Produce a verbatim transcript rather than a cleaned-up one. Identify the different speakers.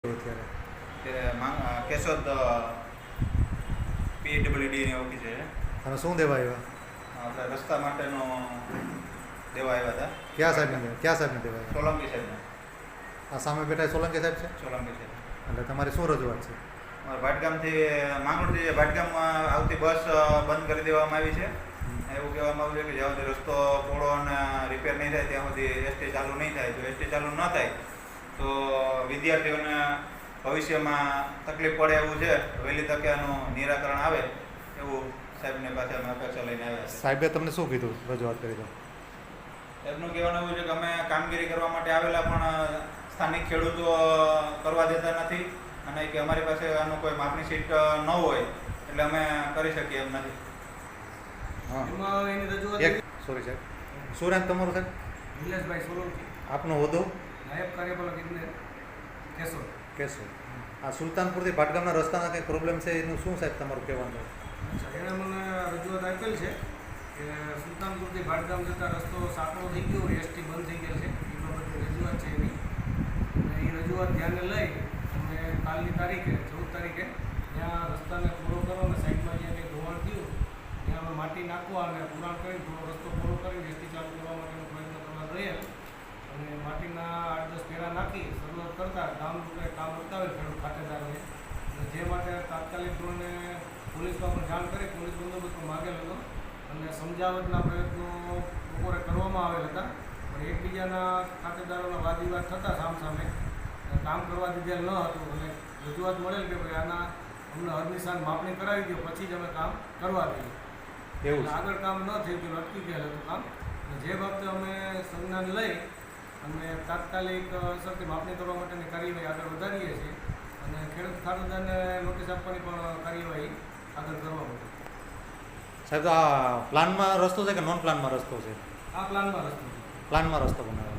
Speaker 1: અત્યારે કેશોદ પીડબ્લ્યુડીની ઓફિસ છે.
Speaker 2: અને શું દેવા આવ્યા?
Speaker 1: આપણે રસ્તા માટેનો દેવા આવ્યા હતા.
Speaker 2: ક્યાં સાહેબને ક્યાં સાહેબને દેવા આવ્યા?
Speaker 1: સોલંકી સાહેબને.
Speaker 2: આ સામે બેઠા સોલંકી સાહેબ છે?
Speaker 1: સોલંકી સાહેબ.
Speaker 2: એટલે તમારી શું રજૂઆત છે?
Speaker 1: ભાટગામથી માંગરોળથી ભાટગામમાં આવતી બસ બંધ કરી દેવામાં આવી છે. એવું કહેવામાં આવ્યું છે કે જ્યાં સુધી રસ્તો પોળો અને રિપેર નહીં થાય ત્યાં સુધી એસટી ચાલુ નહીં થાય. જો એસટી ચાલુ ન થાય તો વિદ્યાર્થીઓને ભવિષ્યમાં તકલીફ પડે એવું છે. વહેલી તકે આનું નિરાકરણ આવે એવું સાહેબને પાસે અમે અપેક્ષા લઈને આવ્યા છે.
Speaker 2: સાહેબે તમને શું કીધું રજૂઆત કરી તો?
Speaker 1: સાહેબનું કહેવાનું એવું છે કે અમે કામગીરી કરવા માટે આવેલા પણ સ્થાનિક ખેડૂતો કરવા દેતા નથી અને કે અમારી પાસે આનું કોઈ માપની સીટ ન હોય એટલે અમે કરી શકીએ એમ નથી.
Speaker 2: હા એની રજૂઆત સોરી સાહેબ. શું નામ તમારું સાહેબ?
Speaker 3: નિલેશભાઈ સોલંકી.
Speaker 2: આપનો હોદ્દો?
Speaker 3: નાયબ કાર્યપાલક ઇજનેર કેશોદ.
Speaker 2: કેશોદ. આ સુલતાનપુરથી ભાટગામના રસ્તાના કંઈ પ્રોબ્લેમ છે એનું શું સાહેબ તમારું કહેવાનું?
Speaker 3: અચ્છા, એણે મને રજૂઆત આપેલ છે કે સુલતાનપુરથી ભાટગામ જતા રસ્તો સાંકડો થઈ ગયો હોય, એસટી બંધ થઈ ગયેલ છે. એ બાબતની રજૂઆત છે એની. અને એ રજૂઆત ધ્યાને લઈ અને કાલની તારીખે ચૌદ તારીખે ત્યાં રસ્તાને પૂરો કરો અને સાઈડમાં જે કંઈ ધોવાણ થયું ત્યાં અમે માટી નાખવા અને પુરાણ કરી થોડો રસ્તો પૂરો કરીને એસટી ચાલુ કરવા માટેનો પ્રયત્ન કરવા રહ્યા અને માટીના આઠ દસ ફેરા નાખી શરૂઆત કરતા ગામ લોકોએ કામ બતાવે ખેડૂત ખાતેદારોને અને જે માટે તાત્કાલિક ધોરણે પોલીસમાં પણ જાણ કરી પોલીસ બંદોબસ્ત માગેલ હતો અને સમજાવટના પ્રયત્નો બપોરે કરવામાં આવેલ હતા. પણ એકબીજાના ખાતેદારોના વાદ વિવાદ થતાં સામસામે કામ કરવા દીધેલ ન હતું અને રજૂઆત મળેલ કે ભાઈ આના અમને હરનિશાન માપણી કરાવી દો પછી જ અમે કામ કરવા દઈએ.
Speaker 2: એવું
Speaker 3: આગળ કામ ન થયું તો અટકી ગયેલ હતું કામ. જે બાબતે અમે સંજ્ઞાન લઈ અને તાત્કાલિક અસરથી માપણી કરવા માટેની કાર્યવાહી આગળ વધારીએ છીએ અને ખેડૂત ખાતેદારને નોટિસ આપવાની પણ કાર્યવાહી આગળ કરવા પડે.
Speaker 2: સાહેબ, તો આ પ્લાનમાં રસ્તો છે કે નોન પ્લાનમાં રસ્તો છે?
Speaker 3: આ પ્લાનમાં રસ્તો છે.
Speaker 2: પ્લાનમાં રસ્તો બનાવ્યો.